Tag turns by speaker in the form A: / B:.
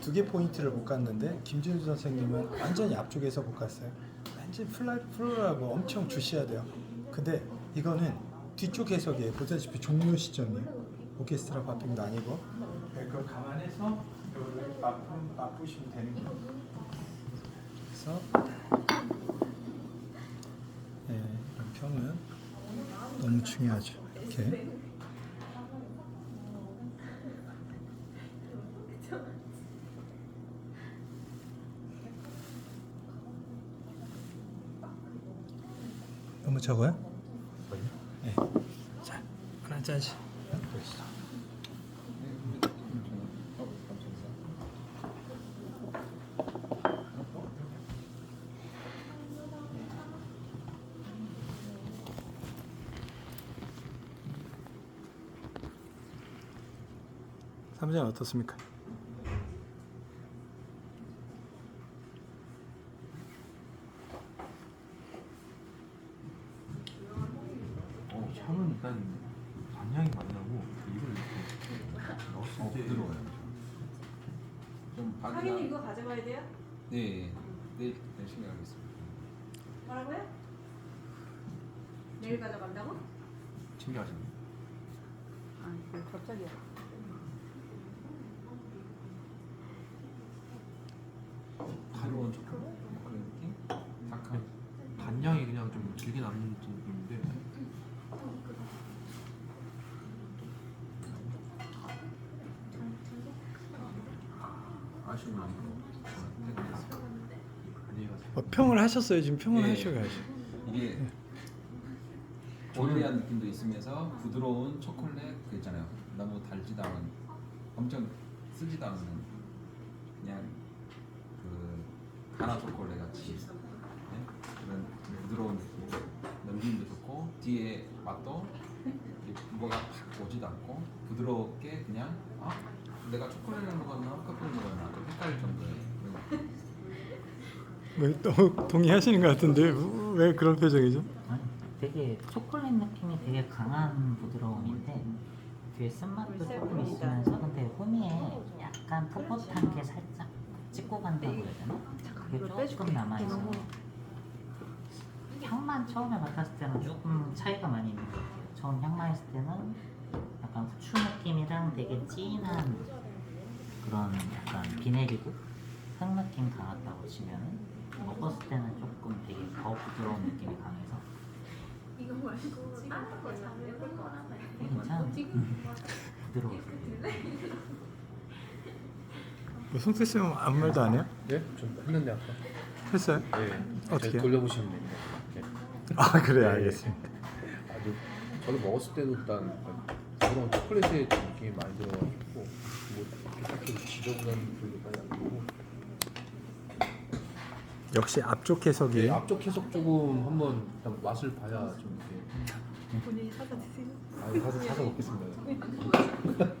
A: 두 개 포인트를 못 갔는데 김진수 선생님은 완전히 앞쪽에서 못 갔어요. 완전 플로라고 엄청 주시해야 돼요. 근데 이거는 뒤쪽 해석이에요. 보다시피 종료 시점이에요. 오케스트라 바핑도 아니고. 그걸 감안해서 이거를 맛보시면 되는 거예요. 그래서 이런 평은 너무 중요하죠. 이렇게. 너무 적어요? 네. 자, 하나 짜지. 보시죠. 사무장 어떻습니까?
B: 향은 일단 단향이 많이 나고 이걸 이렇게 넣었을 때 부드러워요. 좀
C: 하긴이 이거 가져가야 돼요?
B: 네, 열심히 하겠습니다.
C: 뭐라고요? 내일 가져간다고?
B: 챙겨가십니다.
C: 아, 갑자기야.
B: 가벼운 초콜릿 그런 느낌? 약간 단향이 그냥 좀 길게 남는 느낌인데 아쉬운 마음으로 안녕히 가세요.
A: 평을 하셨어요. 지금 평을
D: 예.
A: 하셔야죠.
D: 이게 올리한 느낌도 있으면서 부드러운 초콜릿 그 있잖아요. 너무 달지도 않은, 엄청 쓰지도 않는 그냥 그 가나 초콜릿 같이 그런 부드러운 느낌. 넘김도 좋고 뒤에 맛도 뭐가 팍 오지도 않고 부드럽게 그냥 내가 초콜릿을 먹었나 커피를 먹었나 좀 헷갈릴 정도의 그런
A: 너무 동의하시는 것 같은데 왜 그런 표정이죠?
E: 아니, 되게 초콜릿 느낌이 되게 강한 부드러움인데 뒤에 쓴맛도 조금 있으면서 근데 후미에 약간 풋풋한 게 살짝 찍고 간다고 해야 되나? 그게 조금 남아있어요. 향만 처음에 맡았을 때는 조금 차이가 많이 있는 것 같아요. 처음 향 맡았을 때는 약간 후추 느낌이랑 되게 진한 그런 약간 비내리고 흙 느낌 강했다고 치면은 먹었을 때는 조금 되게 더 부드러운 느낌이 강해서
F: 이거 말고 다른 거 잘해볼 거라면
E: 괜찮은 부드러워요.
A: 송태 쌤은 아무 말도 안 해요?
G: 네? 좀 했는데 아까.
A: 했어요?
G: 네.
A: 어떻게요?
G: 돌려보시면 됩니다. 네.
A: 아 그래요,
G: 네.
A: 알겠습니다.
G: 아주 저도 먹었을 때도 일단 그런 초콜릿의 느낌이 많이 들어가지고 뭐 딱히 지저분한 분류까지 안 들고.
A: 역시 앞쪽
G: 네,
A: 해석이에요.
G: 앞쪽 해석 조금 한번 일단 맛을 봐야 좀 이렇게.
F: 본인이 사다 드세요.
G: 아, 사서 먹겠습니다.